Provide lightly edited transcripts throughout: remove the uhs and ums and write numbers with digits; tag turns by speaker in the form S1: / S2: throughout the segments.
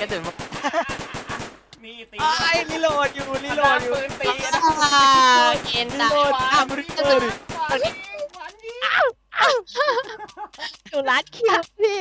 S1: กระสุน
S2: นี่ตี
S3: ไอ้รีโหลดอยู่รีโหลดอยู่
S2: ปืนตีนะ
S1: เอ็น
S3: รี
S1: ตา
S3: โหลดอ้าวมึงเกิด
S4: หนูรัดคิวพี่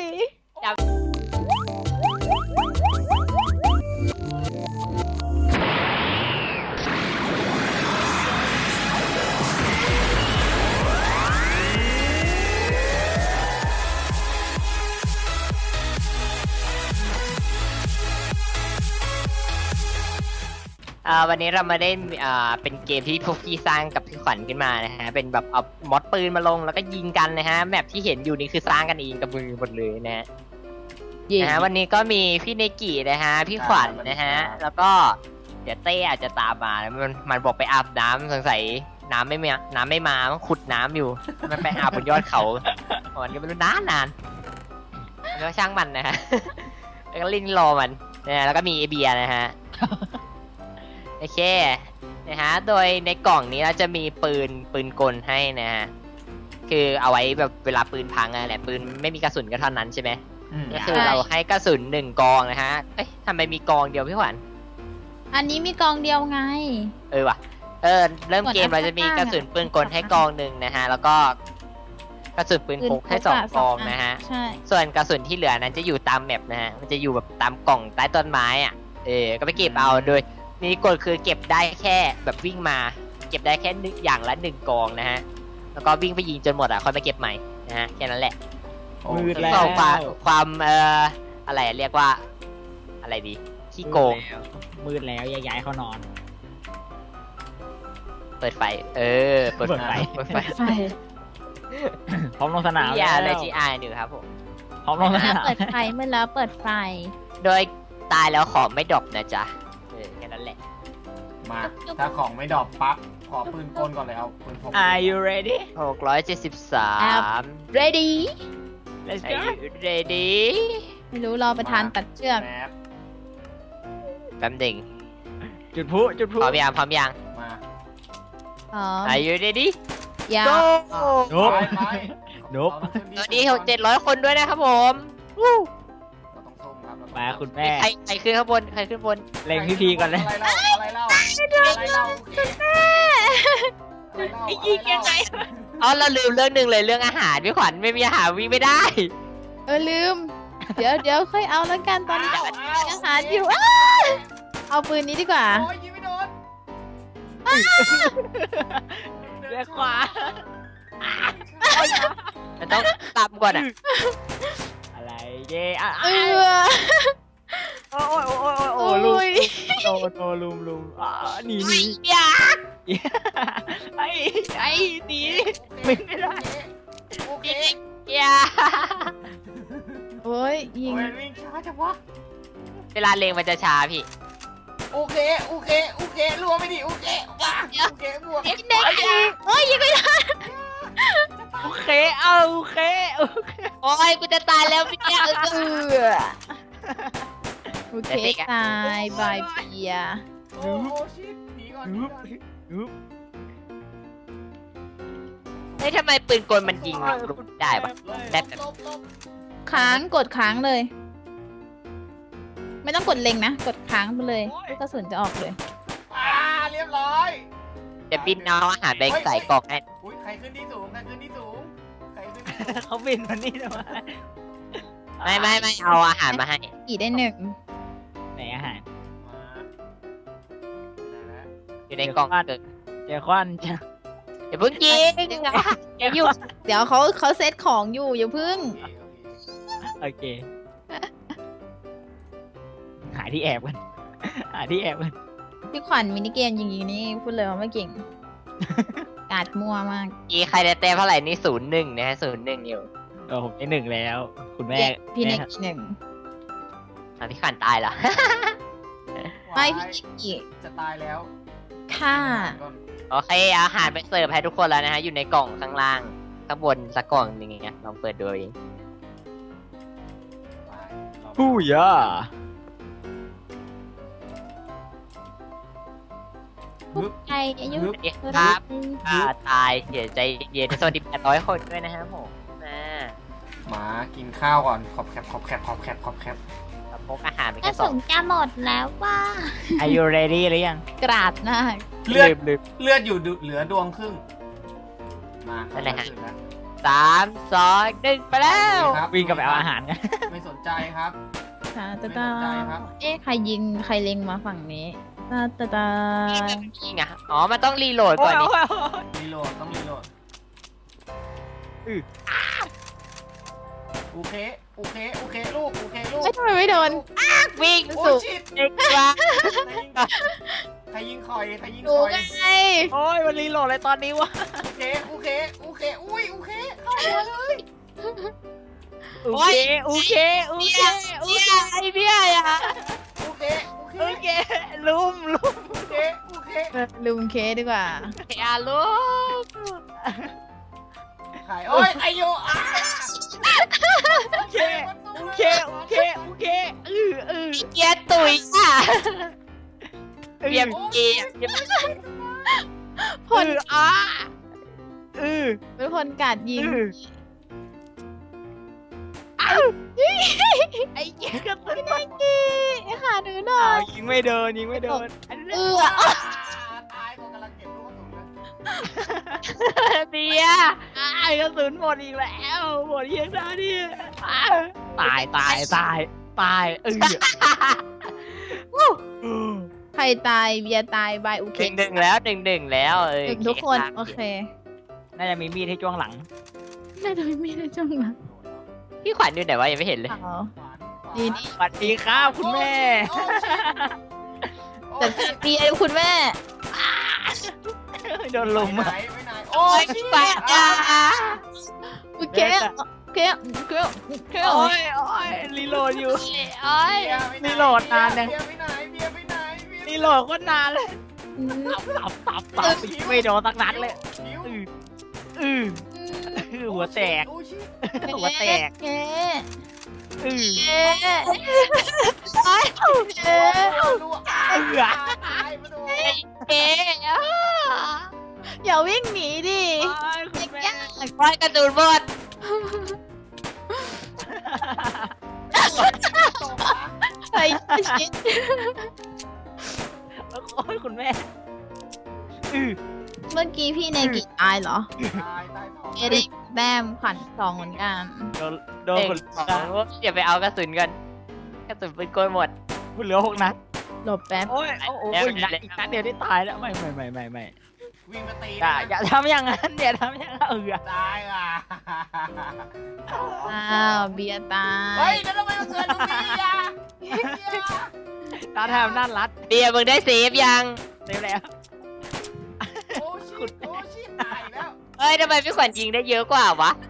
S1: วันนี้เรามาเล่นเป็นเกมที่พวกพี่สร้างกับพี่ขวัญขึ้นมานะฮะเป็นแบบเอามอดปืนมาลงแล้วก็ยิงกันนะฮะแมปที่เห็นอยู่นี่คือสร้างกันเองกับมือหมดเลยนะฮะวันนี้ก็มีพี่เนกินะฮะพี่ขวัญนะฮะแล้วก็เดี๋ยวเต้อาจจะตามมามันบอกไปอาบน้ำสงสัยน้ำไม่มามันขุดน้ำอยู่มันไปอาบบนยอดเขามันก็ไม่รู้นานแล้วช่างมันนะฮะแล้วก็ลิ้นรอมันนะแล้วก็มีเอเบียนะฮะโอเคนะฮะโดยในกล่องนี้เราจะมีปืนกลให้นะฮะคือเอาไว้แบบเวลาปืนพังอะไรปืนไม่มีกระสุนก็เท่านั้นใช่ไหมก็คือเราให้กระสุน1 กองนะฮะเอ้ยทำไมมีกองเดียวพี่ขวัญ
S4: อันนี้มีกองเดียวไง
S1: ว่ะเริ่มเกมเราจะมีกระสุนปืนกลให้กองหนึ่งนะฮะแล้วก็กระสุนปืนพกให้2 กองนะฮะ
S4: ใช่
S1: ส่วนกระสุนที่เหลือนั้นจะอยู่ตามแมปนะฮะมันจะอยู่แบบตามกล่องใต้ต้นไม้อ่ะก็ไปเก็บเอาโดยมีกฎคือเก็บได้แค่แบบวิ่งมาเก็บได้แค่อย่างละ1 กองนะฮะแล้วก็วิ่งไปยิงจนหมดอ่ะค่อยมาเก็บใหม่นะฮะแค่นั้นแหละ
S3: มืดแล้ว
S1: ก็ความอะไรเรียกว่าอะไรดีขี้โกง
S3: มืดแล้วย้ายเขานอน
S1: เปิดไฟเปิดไฟ
S4: ไฟ
S3: พร้อมลงสนาม
S1: อย่าเลยจีไอหนึ่งครับผม
S3: พร้อมลงสนาม
S4: เปิดไฟเมื่อแล้วเปิดไฟ
S1: โดยตายแล้วของไม่ดรอปนะจ๊ะแค่นั้นแหละ
S2: มาถ้าของไม่ดรอปปั๊บขอปืนกลก่อนเลยเอาปืนพก
S3: Are you ready
S1: 673
S4: ready
S3: Let's
S1: Are
S3: go
S1: you ready
S4: ไม่รู้รอประธานตัดเชือก
S2: แป๊บ
S1: แป๊บหนึ่ง
S3: จุดพลุ
S1: พร้อมยัง
S2: มา
S4: อ๋อ
S1: Are you ready
S4: ยา
S1: go
S3: โน้บ
S2: ไป
S3: โน้บ
S1: ตอนนี้700 คนด้วยนะครับผม
S2: เราต้องส้มครับ
S3: มาคุณแม่
S1: ใครขึ้นข้างบนใครขึ้นบน
S3: เล็งพี่พีก่อนเลย
S2: อะไรเล่า
S1: ไอ้ยิงยังไงอ๋อเราลืมเรื่องหนึ่งเลยเรื่องอาหารพี่ขวัญไม่มีอาหารวิ่งไม่ได้
S4: ลืม เดี๋ยวค่อยเอาแล้วกันตอนนี้อาหารอยู่เอาปืนนี้ดีกว่า
S2: โอ้ยยิงไม่โดน
S3: เลี้ยวขวา
S1: มันต้องตามก่อนอ่ะ
S3: อะไรเย่อะ
S4: เออ
S3: โอ้ลุมโอ้ลุมหนี
S1: อย่า
S3: ไอ้หนีไม่ได้
S2: โอเค
S1: อย่า
S4: โอ้ยยิง
S2: โอ้ยวิ่งช้าจังวะ
S1: เวลาเลงมันจะช้าพี่
S2: โอเครัวไม่ดีโอเคบวก
S4: เด็กโอ้ยยิงไม่ได้
S3: โอเคเอาโอเค
S1: โอ้ยกูจะตายแล้วพี่เนี่ย
S4: โอเคตายบายเบีย
S2: โอ้ชิดหนีก่อน
S1: เฮ้ยทำไมปืนกลมันยิงลูกได้ปะ
S2: ลบ
S4: ค้างกดค้างเลย ไม่ต้องกดเล็งนะกดค้างไปเลยลูกกระสุนจะออกเลย
S2: เรียบร้อย
S1: เดี๋ยวบินเอาอาหารไปใส่กล่องให้
S2: อุ้ยใครขึ้นที่สูง
S3: เขาบินมานี่ทำไม
S1: ไม่เอาอาหารมาให้
S4: กี่ได้1
S3: ไหนอาหาร
S1: อยู่ในกล่องเกิด
S3: เจอควันจ้ะ
S1: อย่าเพิ่งยิงอย่าหยุด
S4: เดี๋ยวเขาเซตของอยู่อย่าพึ่ง
S3: โอเคหาที่แอบกันหาที่แอบกัน
S4: พี่ขวัญมินิเกมยิงนี่พูดเลยว่าไม่เก่ง กาดมั่วมาก
S1: ใครได้แต้มเท่าไหร่นี่01นะฮะ01อยู่
S3: ผมได้1แล้ว คุณแม่
S4: พี่เน็ก1
S1: พี่ขวัญตายเหรอ
S4: ไม่พี่เน็กอีก
S2: จะตายแล้ว
S4: ค่ะ
S1: โอเคอาหารไปเสิร์ฟให้ทุกคนแล้วนะฮะอยู่ในกล่องข้างล่างข้างบนสักกล่องหนึงอย่างเงี้ยลองเปิดดูเอง
S3: ฮู้ย่า
S4: ใจอายุ
S1: สวัสดีครับตายเสียใจเย็นสวัสดี800 คนด้วยนะฮะผม
S2: หมากินข้าวก่อนขอบแคบ
S1: ครับผพกอาหารไป
S5: กระ
S1: แค่ส
S5: สุ
S1: อง
S5: นจะหมดแล้วว่า
S3: Are you ready หรือยัง
S4: กราดหน้า
S2: เลือด
S3: ลืม
S2: เลือดอยู่เหลือดวงครึ่งมา
S1: นั่นแหละฮะ
S2: ถึงแล้ว
S1: 3 2 1ไปแล้ว
S2: ครับ
S3: วิ่งกลับไปเอาอาหารกัน
S2: ไม่สนใจครับ
S4: ตาตา
S2: ไม่
S4: ตา
S2: สนใจครับ
S4: เอ๊ะใครยิงใครเล็งมาฝั่งนี้ตาตาตา
S1: ยิงอ่ะอ๋อมันต้องรีโหลด
S3: โอ้
S1: ก่อน
S3: ย
S1: ดิ
S3: โอ้ยโอ้ย
S2: รีโหลดต้องรีโหลดโอเคโอเคโอเคลูกโอเคลูก
S4: ไม่ทำไมไม่โดน
S1: วิ่ง
S2: โอ้
S1: สุ
S2: ย
S1: ด
S2: ชิด
S1: เด็กกว่า
S2: ใครยิงคอยใครยิง
S4: ดู
S2: คอย
S4: ไง
S3: โอ้ยมันรีโหลดอะไรตอนนี้วะ
S2: โอเคโอเคโอเคอุ้ยโอเคเข้าหัวเลย
S3: โอเคโอเคโอเคโอเค
S1: ไอเบี้ยอ่ะ
S2: โอเคโอเค
S3: โอเคลุม
S2: โอเคโอเค
S4: ลุมเคดีกว่า
S1: อย่าลูก
S2: ขายโอ้ยไอโยอ่ะ
S3: โอเคโอเคโอเคโอเคอือ
S1: เกียร์ตุ๋ยอ่ะเบียบ
S2: โอ้ย
S1: เกียร์
S4: พล
S3: อ่ะอือ
S4: เป็นพลกาดยิง
S3: ไอ้เหี้ยก็ตื่น
S4: หาหนูหน่อ
S3: อ้าวย ยิงไม่โดนยิงไม่โดนอันนี้
S2: ตายคนกำลังเก็บลูกกระสุนเลย
S1: เบียร์
S3: ไอ้กระสุนหมดอีกแล้วหมดเยียงได้ดิตายตายตายตาย
S4: ใครตายเบียร์ตายบายโอเค
S1: หนึ่งแล้ว1-1แล้วเอ้ย
S4: หนึ่งทุกคนโอเค
S3: น่าจะมีมีดให้จ้วงหลัง
S4: น่าจะไม่มีในจังหวะ
S1: พี่ขวัญอยู่ไหนวะยังไม่เห็นเลย
S4: อ๋อ
S2: ขวาน
S4: ดีดี
S3: สวัสดีครับคุณแม่
S4: แต่เบียร์คุณแม่
S3: โดนลุม
S2: ไปไหนไปไหนโอ้ย
S1: พี่ขวัญจ้า
S4: โอเคโอเคโอเคโอเค
S3: โอ้ยโอ้ยรีโหลดอยู่
S1: โอ้ย
S3: นี่โหลดนานยัง
S2: เบียร์ไปไหนเบียร์ไปไหนเบียร์
S3: รีโหลดก็นานเลยตับไม่โดนสักนัดเลย
S2: หิว
S3: อือหัวแตก
S2: โอ้ชิ
S3: หัวแตก
S4: เอ๊
S3: อือ
S4: เอ๊ะ
S2: รัวตายมาดู
S1: เก๋อ่ะ
S4: อย่าวิ่งหนีดิ
S3: คุณแม่
S1: ร้อยกระสุนหมด
S2: ตกนะ
S4: ใครชิด
S3: โอ้ยคุณแม่อือ
S4: เมื่อกี้พี่ในกี่ตายเหรอ
S2: ตายตายท้อง
S4: เอได้แต้มขวัญสองเหมือนกัน
S3: โดนคน
S1: เดี๋ยวไปเอากระสุนกันกระสุนปืนโกยหมด
S3: คุณเหลือ6 นัด
S4: หลบแป๊บ
S3: โอ้ยโอ้ยอีกนัดเดียวได้ตายแล้วไม่
S2: วิ่งมาตี
S3: อย่าทำอย่างนั้นอย่าทำอย่างนั้น
S2: ตายอ่ะ
S4: อ้าวเบียร์ตา
S2: เฮ้
S4: ย
S2: ยแล้วทำไมมันเกิดตรงนี้อ่ะ
S3: ตาแทมด้านรัด
S1: เบียร์มึงได้เซฟยัง
S3: เต็มแล้ว
S2: โอ้ชิตโอ้ชิตตายแล้ว
S1: เฮ้ยทำไมพี่ขวัญยิงได้เยอะกว่าวะ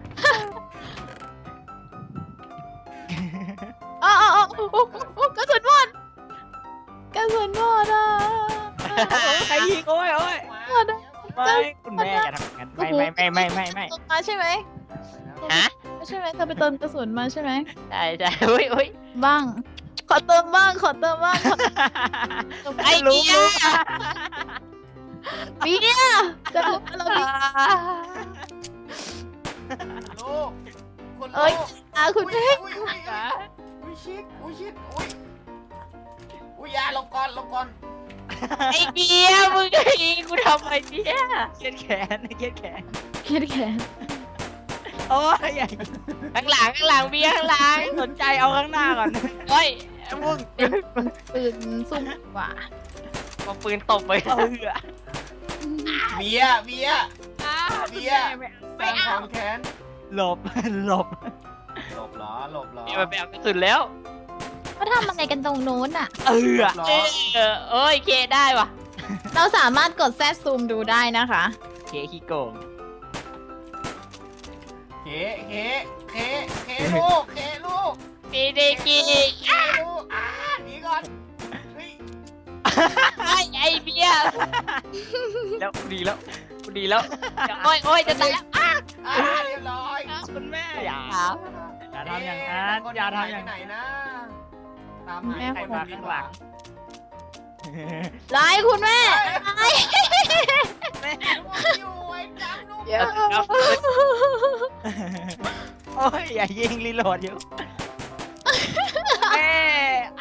S4: อ๋อกระสุนหมดกระสุนหมดอ่ะ
S3: ใครยิงโอ้ย
S4: หมดอ่ะ
S3: ไม่คุณแม่อย่าทำอย่างนั้นไม่
S4: เติมมาใช่ไหม
S1: ฮะ
S4: ใช่ไหมเธอไปเติมกระสุนมาใช่ไหม
S1: ใช่ใช่อุ้ย
S4: บ้าง ขอเติมบ้างขอเติมบ้างขอ
S1: ไอ้เบียร์
S4: เบียร์จะรู้ว่าเราดี
S2: ลูกคน
S4: เอ้ยคุณแม่
S2: อุ้ยชิตอุ้ยยาลงก่อน
S1: ไอ้เบียร์มึงจะยิงกูทำไมเนี่ย
S3: เครียดแขน
S4: เครียดแขน
S3: โอ้ยอย่า
S1: ข้างหลังเบียร์ข้างหลัง
S3: สนใจเอาข้างหน้าก่อน
S1: โอ้ย
S3: มึง
S4: ปืนซุ่มกว่า
S1: เอาปืนตบไป
S3: เออ
S2: เบียร์สร้างความแค้น
S3: หลบ
S2: หลบเหรอ
S1: เบียร์ไปเอากระสุนแล้ว
S5: เขาทำอะไรกันตรงนู้นอ่ะ
S3: เออ
S2: หรอ
S1: เอ้ยเคได้ว่ะ
S4: เราสามารถกดแซดซูมดูได้นะคะ
S3: เคขี้โกง
S2: เคลูก
S1: มีเดกี
S2: ลูกหนีก่อนเฮ้ย
S1: ไอ้เบียร์
S3: แล้วดีแล้ว
S1: โอ้ยจะตายแล้ว
S2: เรียบร้อย
S3: คุณแม่อย่าทำอย่างนั้น อย่าทำอย่าง
S2: ไหน
S3: นั้น
S2: นะตามหาคนมาข้างหลัง
S4: ไล่คุณแม่
S2: อยู่ไอ้จำลูก
S4: เดี๋ยว
S3: โอ้ยอย่ายิงรีโหลดอยู่แม่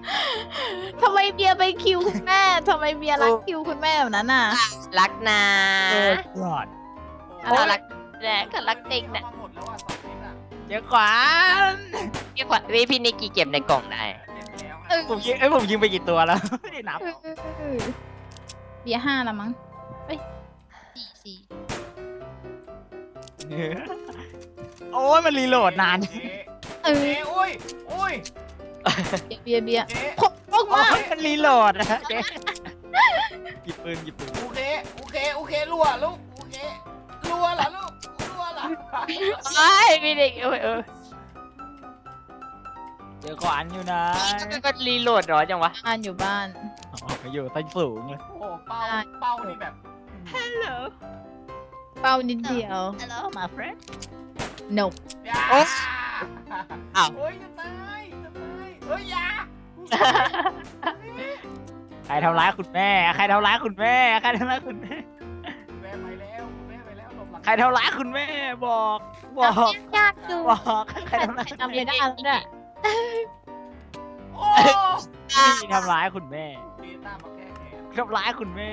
S4: ทำไมเบียร์ไปคิวคุณแม่ทำไมเบียร์รักคิวคุณแม่แบบนั้นน่ะ
S1: รักนะ
S3: หลอด
S1: น่ารักแน่ก็รักจริงนะ
S2: มาหมดแล้วอ่ะ2 เม็ดอ่ะ
S3: เจ้าขวาน
S1: พี่ขวัญพี่นิกกี้เก็บในกล่องได้
S2: เก็บแล้ว
S4: เออ
S3: ผมยิงไปกี่ตัวแล้ว ไม่ได้นับ
S4: เบียร์5แล้วมั้งเอ้ย4
S3: โอ้ยมันรีโหลดนาน
S2: เจ๊
S4: เออ
S2: เจ๊อุ้ยอุ้ย
S4: เบียร์
S2: เจ๊
S4: พกมา
S3: โอ้ยมันรีโหลดนะเจ๊หยิบปืน
S2: โอเคโอเคโอเครัวลูกโอเครัวเหรอลูกรัวเหรอ
S1: ไอ้พี่นิกเออ
S3: เจ้าขวานอยู่นะ
S1: ก็รีโหลดเหรอจังวะ
S4: บ้านอยู่บ้าน
S3: อ๋อไปอยู่ใต้สูงเลย
S2: โอ้เป้านี่แบบ
S4: เป้านิดเดียว
S3: Hello my friend
S4: no
S2: อย่า
S3: โอ๊ย
S2: อ้าวเฮ้ยจะตายจะตายเฮ้ยอย่า
S3: ใครทำร้ายคุณแม่ใครทำร้ายคุณแม่ใครทำร้ายคุณแม่
S2: แม่ไปแล้วแม่ไปแล้วหลบหลัง
S3: ใครทำร้ายคุณแม่บอก
S5: ยากดู
S3: บอกใครทำร้าย
S4: ทำไม่ได้แล้วเนี่ย
S2: โอ้
S3: ที่ทำร้ายคุณแม่
S2: เบต้ามาแก้แค้น
S3: ทำร้ายคุณแม่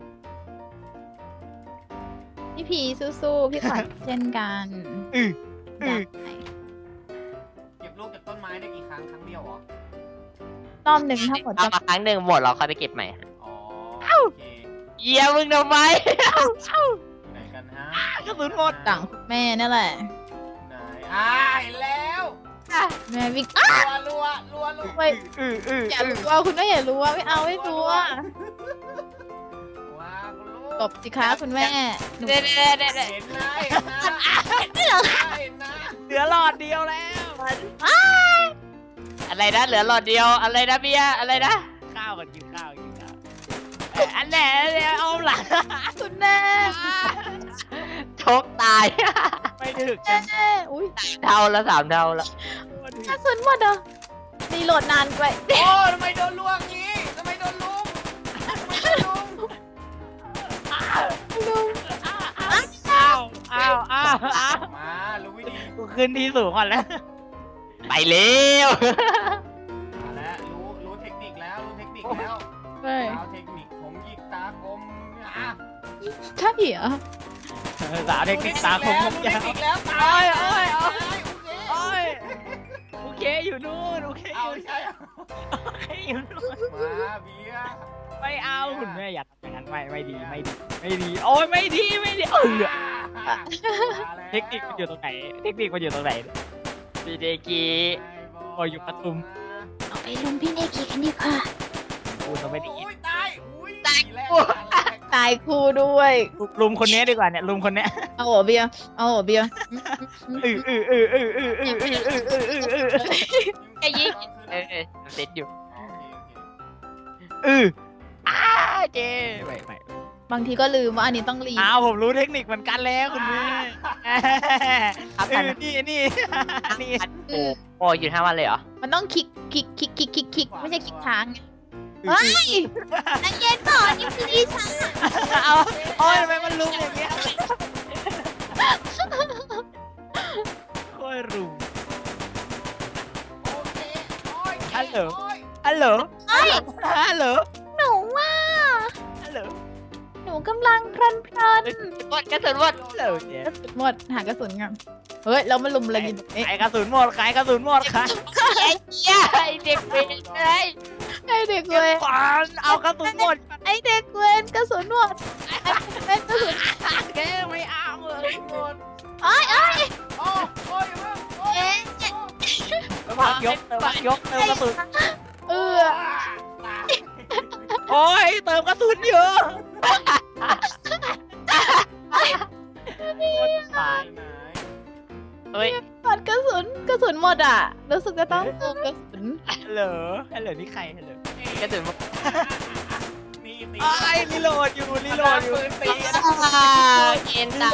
S4: พี่พีสู้ๆพี่ขวัญเช่นกัน
S3: อือ
S4: ได้
S2: เก็บลูกจากต้นไม้ได้กี่ครั้งครั้งเดียวเหรอ
S4: รอบหนึ่งทั้งหมด
S1: เอา
S4: จะ
S1: มาครั้งหนึ่งหมดเราค่อยไปเก็บใหม่
S2: อ๋อโอเค
S1: เยี่ยมึงทำไม
S2: อยู่ไหนกันฮะ
S3: กระสุนหมด
S4: ต่างคุณแม่นั่นแหละ
S2: ไหนเห็นแล้ว
S4: แม่วิ่ง
S2: รัวรัวลูก
S4: ไปอย่ารู้ว่าคุณแม่อย่ารู้ว่าไม่เอาไม่รู้ว่า
S2: ว้าคุณลูก
S4: ตบสิคะคุณแม่หนู
S1: เด็ด
S2: เห็นนะเห็นนะเห็นนะ
S3: เหลือหลอดเดียวแล้ว
S1: อะไรนะเหลือหลอดเดียวอะไรนะเบียร์อะไรนะ
S3: ข้าวกันกินข้าวอันไหนเอาหลัง
S4: คุณแม่
S1: ชกตาย
S3: ไม่ถึกกัน
S4: แม่อุ้ย
S1: เท่าละ3 เท่าละ
S4: กระสุนหมดเหรอรีโหลดนานไป
S2: โอ้ทำไมโดนลวงงี้ทำไมโดนลุงทำไมโดนลุง
S4: ลุง
S3: อ้าว
S2: มารู้วิธี
S3: กูขึ้นที่สูงก่อนแล้ว
S1: ไปเร็ว
S2: มาแล้วรู้เทคนิคแล้วรู้เทคนิคแล้ว
S4: เฮ้ย
S2: เอาเทคนิคผมหยิกตาคมอ่ะ
S4: ใช่เหรอ
S3: สาวเทคนิคตาคม
S2: รู้
S3: ยา
S2: เทคว นิคแล้วตาย
S3: โอ้ยโอเคอยู่นู่นโอเค
S2: เอาใช่
S3: อยู่นู่น
S2: มาเบียร์
S3: ไม่เอาคุณแม่อย่าทำอย่างนั้นไม่ดีโอ้ยไม่ดีเทคนิคมันอยู่ตรงไหน
S1: พี่เดกี้
S3: โอ้ยอยู่ปทุม
S5: เอาไปลุมพี่เนกีกันดีกว่า
S3: กูจะไม่ได้ยิน
S2: ตายแล้ว
S4: ตายครูด้วย
S3: ลุมคนนี้ดีกว่าเนี่ยลุมคนนี้
S4: เอาหัวเบียร์เอาหัวเบียร์
S1: ไอ้ยิงเซ็ตอยู่ เจ๊
S3: ไม่
S4: บางทีก็ลืมว่าอันนี้ต้องรี
S3: อ้าวผมรู้เทคนิคเหมือนกันแล้วคุณแม่
S1: ครับ
S3: นี่
S1: โอ้หยุด5 วันเลยเหรอ
S4: มันต้องคลิกไม่ใช่คลิกค้างไงเฮ้ยใจเย็นก่อนนี่คือดิฉัน
S3: เอาโอ้ยทำไมมันลุมอย่างเงี้ยโอ้ยรุม ฮัลโหล
S5: หนูว่า
S3: ฮัลโหล
S5: หนูกำลังเพลิน
S1: หมดกระสุนหมด
S3: ฮัลโหลเจ๊
S4: กระสุนหมดหากระสุนกันเฮ้ยเรามาลุมอะไรกันเอ๊ะ
S3: ขายกระสุนหมดขายกระสุนหมดขาย
S1: ไอ้เหี้ยไอ้เด็กเวรเลย
S4: ไอเด็กเวร
S3: ขวานเอากระสุนหมด
S4: ไอเด็กเวรกระสุนหมดไอเด็กเวรกระสุน
S3: แกไม่เอาเลย
S4: โอ้ย
S2: โอ้ย
S4: เอ๊ะ
S3: พักยกเติมกระสุน
S4: เออ
S3: โอ้ยเติมกระสุนเยอะตาย
S1: เฮ้ย
S4: หมดกระสุนหมดอ่ะรู้สึกจะต้องเติมกระสุน
S3: ฮัลโหลนี่ใครฮัลโหล
S1: กระสุนหมด
S2: นี่ตี
S3: ไอ้รีโหลดอยู่ตี
S1: เย็นตาย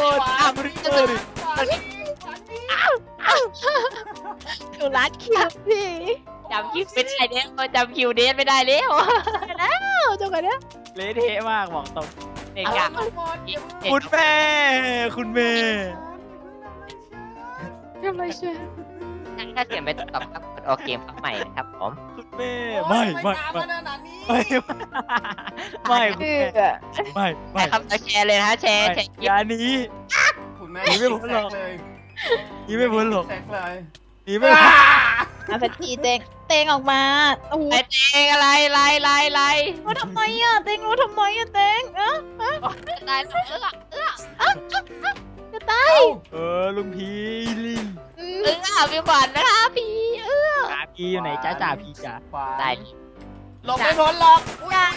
S4: หนูรัดคิวพี่
S1: จำคิวไม่ได้แล้วจำคิวเดทไม่ได้แล้ว
S4: เอาจังหวะเนี้ย
S3: เละเทะมากบอกตรง
S1: เด็กอะ
S3: คุณแม่คุณแม่
S4: ทำไรเชีย
S1: ถ้าเสียงไปตอบครับกดโอเคพักใหม่นะครับผม
S3: คุณแม่
S2: โอ้
S3: ไม่
S2: ย
S3: ไม่
S2: ตาม
S3: ไม่
S2: มาขนาดนี้
S3: ไม่ไม่คุณ
S4: เอ
S3: แม่
S4: อ
S3: ไม่ไม่
S1: นะครับแชร์เลยนะฮะแชร์แชร์
S3: อย่าหนี
S2: คุณแม่
S3: หนีไม่พ้นหรอก
S2: แซเลย
S3: หนีไม่พ้นหรอก
S2: แซกเลย
S3: หนีไม่พ้น
S4: อาสักทีเตงออกมาโอ้โห
S1: ไอ้เจงอะไรไรไรไร
S4: รู้ทำไมอ่ะเตงรู้ทำไมอ่ะเตง
S1: ไร
S4: จะตาย
S3: เออลุงพีลิน
S1: พี่ขวัญนะคะพี่
S3: จ่าพีอยู่ไหนจ้าจ่าพีจ้า
S2: ขวา
S1: ได้
S2: หลบไม่พ้นหรอกอุ้ย
S4: อย่า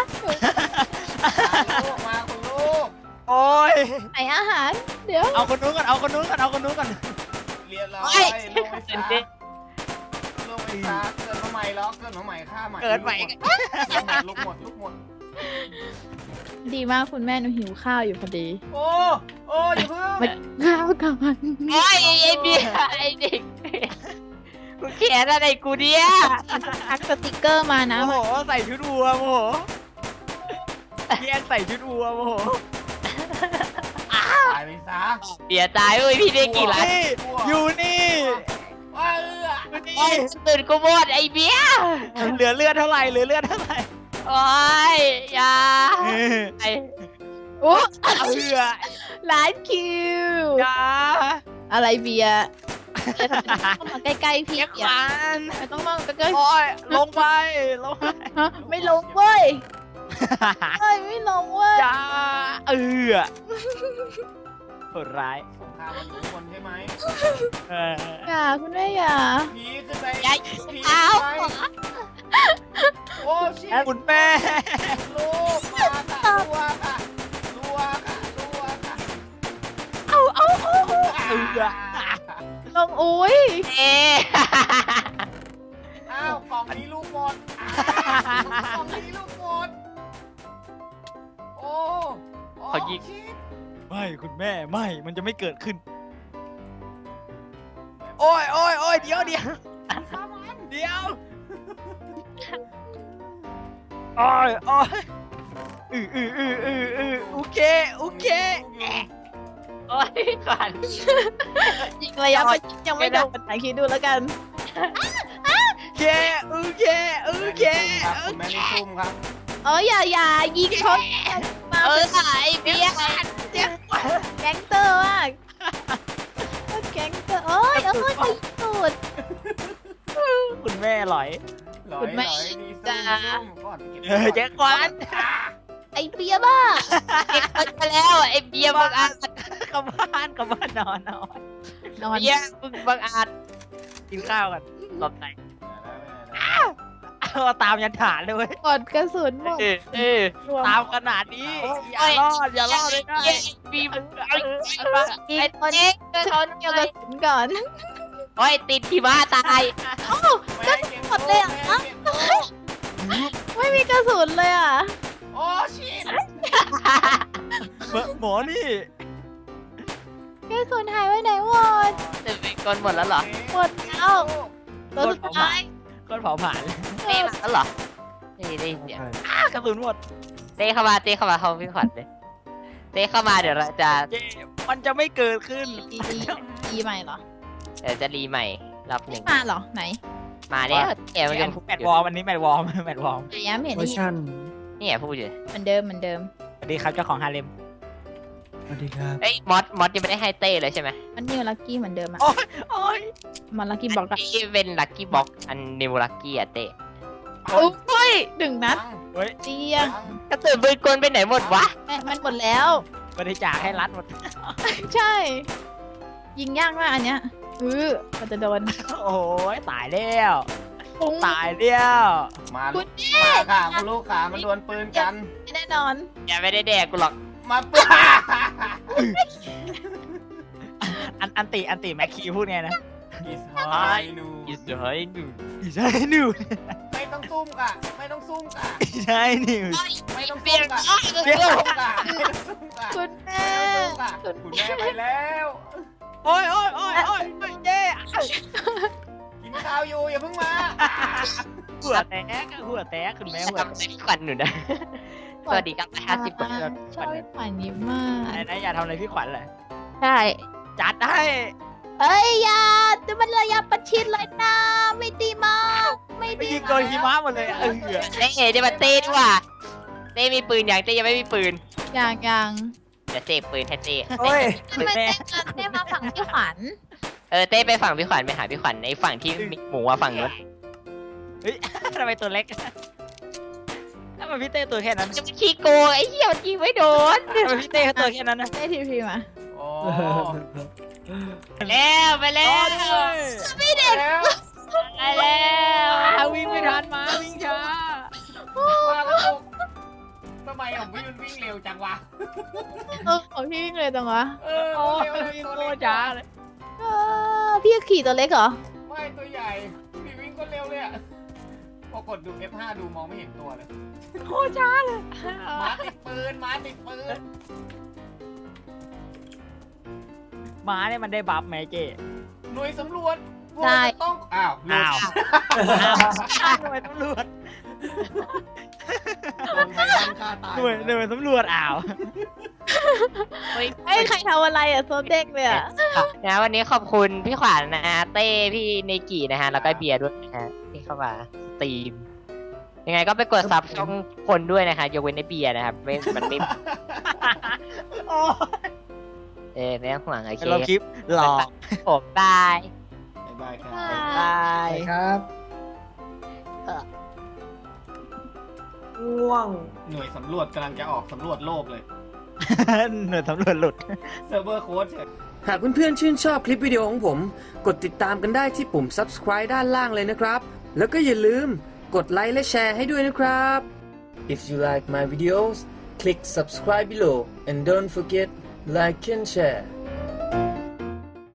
S2: ลูกมาคุณลูก
S3: โอ้ย
S4: ไหนอาหาร เดี๋ยว
S3: เอาคนนู้นก่อนเอาคนนู้นก่อนเอาคนนู้นก่อน
S2: เรียนเราไปลูกไม่
S1: เต้
S2: ซาน ลูกไม่ซาเกิดมาใหม่หรอกเกิดมาใหม่ฆ่าใหม่
S3: เกิดใหม่
S2: ลูกหมดลูกหมด
S4: ดีมากคุณแม่หนูหิวข้าวอยู่พอดี
S2: โอ้โอ้อย่าเพิ่ง
S4: มาข้าวก่อน
S1: โอ้ยไอ้เบียไอ้เด็กกูเขียนอะไรกูเนี่ย
S4: ทักสติกเกอร์มานะ
S3: โอ้โหใส่ชุดวัวโอ้โหแยกใส่ชุดวัวโอ้โห
S2: ตายไปซะ
S1: เบียตายเอ้ยพี่ได้กี่ล้าน
S3: นี่อยู่นี่
S2: ว้า
S1: โอ้ยตื่นกูหมดไอ้เบีย
S3: เหลือเลือดเท่าไหร่เหลือเลือดเท่าไหร่
S1: โอ้ยอย่าไอ้
S4: โอ้
S3: เหลือ
S4: ร้านคิว
S3: จ้า
S4: อะไรเบียร์ต้องมาใกล้ๆพี่
S3: เรียก
S4: อย่า
S3: มัน
S4: ไม่ต้องมาใกล้
S3: โอ้ยลงไปลงไป
S4: ๆฮะไม่ลงเว้ยเฮ้ยไม่ลงเว้ย
S3: จ้าโหดร้าย
S2: สงครามมันอยู่บนใช่ไหม
S3: เออ
S4: อย่าคุณแม่อย่า
S2: ผีขึ้นไป
S1: อย่า
S2: ผี
S1: เอา
S2: ขึ้นไปโอ้ชิบ
S3: คุณแม่
S2: ลูกมาค่ะรัวค่ะรัวค่ะรัวค่ะ
S3: เออ
S4: ลงอุ้ย
S1: เอ๊ะ
S2: อ้าวกล่องนี้ลูกหมดกล่องนี้ลูกหมดโอ้ชิบ
S3: ไม่คุณแม่ไม่มันจะไม่เกิดขึ้น โอ้ยโอ้ยโอ้ยเดี๋ยวเดี๋ยว
S2: ฆ่ามัน
S3: เดี๋ยวโอ้ยโอ้ยโอเคโอเค
S1: โอ้ยขวัญ
S4: ยิงระยะประชิดยังไม่โดนไหนคิดดูแล้วกัน
S3: โอเคโอเคโอเค
S2: คุณแม่นี่ซุ่มครับ
S4: อย่ายิงชนมา
S1: ไอ้เบีย
S4: แก๊งเตอร์มากแก๊งเตอร์โอ้ยตีตูด
S3: คุณแม่หลอย
S2: หลอย
S4: คุณแม่
S2: หลอยนี่ซุ่
S4: จ้า
S2: มก่อนเก็บ
S3: แจ็คควัน
S4: ไอเบียบ้า
S1: เก็บไปแล้วไอ้เบียบังอาจ
S3: กลับบ้านกลับบ้านนอน
S4: นอน
S1: เบียมึงบังอาจ
S3: กินข้าวกัน
S1: หลบไหน
S3: เอาตามยันฐานเลยเว้ย
S4: กดกระสุนหมด รวม
S3: ตามขนาดนี้อย่ารอดเลยได้
S1: บีมึงไอ้
S4: ยิง
S1: ไอ้
S4: คน
S1: เจ๊กเขา
S4: เกี่ยวกระสุนก่อน
S1: โอ้ยติดที่บ้าตาย
S2: แม่เก็บ
S4: หมดเลยเหรอ
S2: แม่เก็บลูก
S4: ไม่มีกระสุนเลยอ่ะ
S2: โอ้ชิบ
S3: หมอนี่
S4: กระสุนหายไปไหนหมด
S1: จะเป็นคนหมดแล้วเหรอ
S4: หมดแล้วตัวสุดท้าย
S3: ก้อนเผาผ่าน
S1: เต้มาแล้วเหรอนี่เดี๋ยว
S3: กระสุนหมด
S1: เต้เข้ามาเข้าพี่ขวัญเลยเต้เข้ามาเดี๋ยวเราจะ
S3: เจ๊มันจะไม่เกิดขึ้น
S4: ดีใหม่เหรอ
S1: เดี๋ยวจะรีใหม่รอบหนึ่ง
S4: มาเหรอไหน
S1: มาเนี่ยเอ๋มันยัง
S3: แมทวอร์มอันนี้แมทวอร์มแมทวอร์ม
S4: ไหนยังไม่เห็น
S6: เวอ
S4: ได้
S6: ร์
S4: ยิน
S6: ชัน
S1: นี่พูดอยู่
S4: เหมือนเดิมเหมือนเดิม
S3: สวัสดีครับเจ้าของฮาเลม
S6: สวัสดีครับ
S1: เอ้ยมอสยังไม่ได้ให้เต้เลยใช่ไหม
S4: มันนิวลักกี้เหมือนเดิมอ่ะ
S3: โอ้ย
S4: มันลักกี้บอกกัน
S1: นี่เป็นลัคกี้บ็อกอันนิวลัคกี้อะเต้
S4: โอ้ยดึงนัด
S3: เฮ้ย
S4: เจีย
S1: กระสุนปืนกลไปไหนหมดวะ
S4: มันหมดแล้ว
S3: บริจาคให้รัฐหมด
S4: ใช่ ยิงยากมากอันเนี้ยมันจะโดน
S3: โอ้ยตายแล้ว
S4: ปุ้ง
S3: ตายแล้ว
S2: มา
S4: คุ
S2: ลู
S4: ณ
S2: ก
S4: แม่
S2: มาค่ะคุณลูกขามันดวลปืนกัน
S4: แน่นอน
S1: อย่าไม่ได้แดกกูหรอก
S2: มาปืน
S3: อันติแม็กคีพูดไงนะ
S2: อิสไฮนู
S1: อิสเฮ้ยดู
S3: อีใช่นิว
S2: ไม่ต้องซุ่มค่ะไม่ต้องซุ่มค่ะ
S3: อีใช่นิว
S2: ไม่ต้อง
S1: เปลี่
S2: ซุ่
S1: ยน
S2: มค่ะไม่ต้องซุ่มค่ะไม่ต้องซุ่มค่ะ
S4: คุณแม่
S2: คุณแม่ไปแล้ว
S3: โอ้ยเจ๊
S2: กินข้าวอยู่อย่าเพิ่งมา
S3: หัวแตกคุณแม่หัว
S1: ทำใจขวัญหนูนะสวัสดีครับ50 คน
S4: ชอบขวัญยิ้มมาก
S3: อะไรนะอย่าทำอะไรพี่ขวัญเลย
S4: ใช่
S3: จัดให้
S4: เอ้ยอย่าจะมันระยะประชิดเลยนะไม่ดีมากไม่
S3: ไป
S4: ดี
S3: ยิงโดนหิมะหมดเลยอะ
S1: เต้จะมาเต้ดีกว่าเต้มีปืนอย่างเต้ยังไม่มีปืน
S4: อย่าง
S1: เดี๋ยวเต้ปืนให้เต้
S3: โอ้ย
S4: ทำไมเต้กันเต้มาฝั่งพี่ขวัญ
S1: เต้ไปฝั่งพี่ขวัญไปหาพี่ขวัญในฝั่งที่มีหมูอะฝั่งนู้น
S3: เฮ้ยทำไมตัวเล็กทำไมพี่เต้ตัวแค่นั้น
S1: จะมาขี้โกงไอ้เหี้ยมันยิงไม่โดน
S3: ทำไมพี่เต้เขาตัวแค่นั้นนะ
S4: เต้ทีพีมา
S2: โอ้
S1: แล้วไปแล้ว
S2: แล้ว
S1: ไปแล้ว
S3: วิ่งไม่ทันมาวิ่งช้า
S2: มาแล้วลูกทำไมของพี่มันวิ่งเร็วจังวะ
S4: ของพี่วิ่งเลยจังวะ
S3: โอ้
S2: เร็วเลย
S3: วิ่ง
S2: ตัว
S3: โค
S2: เล็
S3: ต
S2: ก
S3: รช้าเลย
S4: พี่ขี่ตัวเล็กเหรอ
S2: ไม่ตัวใหญ่พี่วิ่งก็เร็วเลยอะพอกดดู F5 ดูมองไม่เห็นตัวเลย
S3: โคตรช้าเลย
S2: หมาติดปืนหมาติดปืน
S3: ม้าเนี่ยมันได้บัฟไหมเจ๊
S2: หน่วยสำรวจพวก
S4: ได้
S2: เราต้องอ้าวหลุด
S3: หน่วยตำรวจ
S2: โดนไททันฆ่าตาย
S3: หน่วยตำรวจอ้าว
S4: เอ้ยใครทำอะไรอ่ะโซเด็กเลยอ่ะ
S1: นะวันนี้ขอบคุณพี่ขวัญนะฮะเต้พี่เนกินะฮะแล้วก็เบียร์ด้วยนะฮะที่เข้ามาสตรีมยังไงก็ไปกดซับช่องคนด้วยนะคะยกเว้นในเบียร์นะครับไม่มันไม่ไม่ต้องห่วงโอเค
S3: เราคลิปหลอก
S1: ผมบาย
S2: บ๊ายบายครับ
S3: บาย
S6: ครับ ง่วง
S2: หน่วยสำรวจกำลังจะออกสำรวจโลกเลย
S3: หน่วยตำรวจหลุด
S2: เซิร์ฟเวอร์โค้ดเฉย
S6: หากเพื่อนๆชื่นชอบคลิปวิดีโอของผม กดติดตามกันได้ที่ปุ่ม subscribe ด้านล่างเลยนะครับ แล้วก็อย่าลืมกดไลค์และแชร์ให้ด้วยนะครับ If you like my videos click subscribe below and don't forget like and share